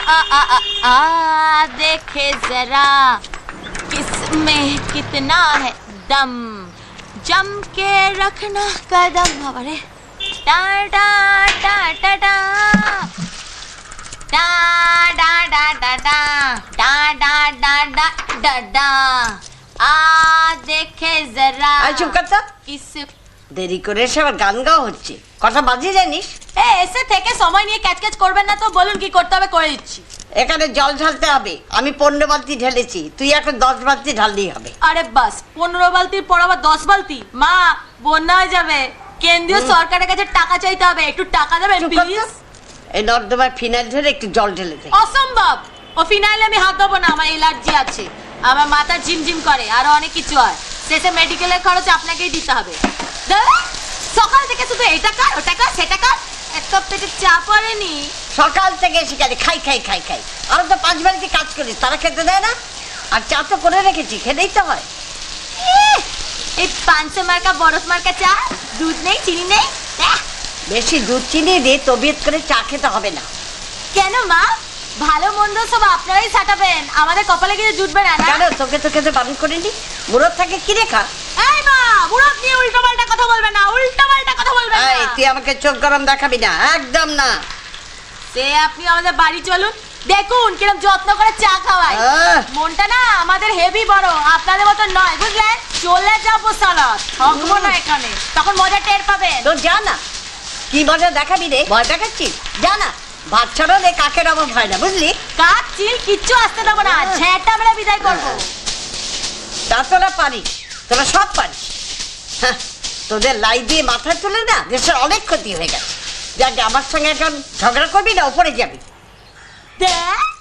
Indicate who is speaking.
Speaker 1: देखे जरा किसमें कितना है दम, जम के रखना कदम। अरे डा डा डा डा डा डा डा डा डा डा डा डा डा डा डा डा देखे जरा।
Speaker 2: চুপ কর তো,
Speaker 1: किस
Speaker 2: দেরি করে এসে আবার গান গাওয়া হচ্ছে। কথা বাজিয়ে জানিস?
Speaker 1: এসে থেকে সময় নিয়ে ক্যাচক্যাচ করবেন না তো, বলুন কি করতে হবে করে দিচ্ছি।
Speaker 2: এখানে জল ঢালতে হবে। আমি 15 বালতি ঢেলেছি, তুই এখন 10 বালতি ঢাললেই হবে।
Speaker 1: আরে বাস, 15 বালতির পর আবার 10 বালতি? মা, বন্যা হয়ে যাবে। কেন্দ্রীয় সরকারের কাছে টাকা চাইতে হবে, একটু টাকা দেবেন প্লিজ।
Speaker 2: এই নর্দমায় ফিনাইল ঢেলে একটু জল ঢেলে দে।
Speaker 1: অসম্ভব, ও ফিনাইলে আমি হাত দেবো না, আমার অ্যালার্জি আছে, আমার মাথা ঝিমঝিম করে, আরো অনেক কিছু হয়। শেষে মেডিকেলের খরচ আপনাকেই দিতে হবে। সকাল থেকে শুধু এটা কর ওটা কর সেটা কর, এত পেটে চাপ পড়েনি?
Speaker 2: সকাল থেকে এসে গেলে খাই খাই খাই খাই, আরো তো 5 বালতি কাজ করিস, তারা খেতে দেয় না? আর চা তো করে রেখেছি, খেতেই তো হয়।
Speaker 1: এই 500 মার্কা বরফ মার্কা চা, দুধ নেই চিনি নেই।
Speaker 2: বেশি দুধ চিনি দিয়ে তবিয়ত করে চা খেতে হবে না।
Speaker 1: কেন মা, ভালো মন্দ সব আপনারাই সাটাবেন, আমাদের কপালে কিছু জুটবে না।
Speaker 2: কেন তোকে তো খেতে বারণ করিনি? মুরত থাকে কি রেখা?
Speaker 1: এই মা, মুরত নিয়ে উল্টোপাল্টা কথা বলবে না, উল্টোপাল্টা কথা বলবে না।
Speaker 2: এই তুই আমাকে চোখ গরম দেখাবি না, একদম না।
Speaker 1: সে আপনি আমাদের বাড়ি চলুন, দেখুন কিরকম যত্ন করে চা খাওয়াই। মনটা না আমাদের হেভি বড়, আপনাদের মতো নয়, বুঝলেন? চলে যাবো সালা, থাকবো না এখানে, তখন মজা টের পাবেন।
Speaker 2: তো যা না, কি মজা দেখাবি রে? ভয় দেখাচ্ছিস? যা না, ভাত ছাড়া রে কাকের অভাব হয় না, বুঝলি?
Speaker 1: কাক চিল কিচ্ছু আসতে দেবো না, ঝেঁটা মেরে বিদায় করবো।
Speaker 2: তা তোরা পারিস, তোরা সব পারিস। হ্যাঁ, তোদের লাই দিয়ে মাথায় তুলে না দেশের অনেক ক্ষতি হয়ে গেছে। যাকে আমার সঙ্গে এখন ঝগড়া করবি না, ওপরে যাবি।
Speaker 1: দেখ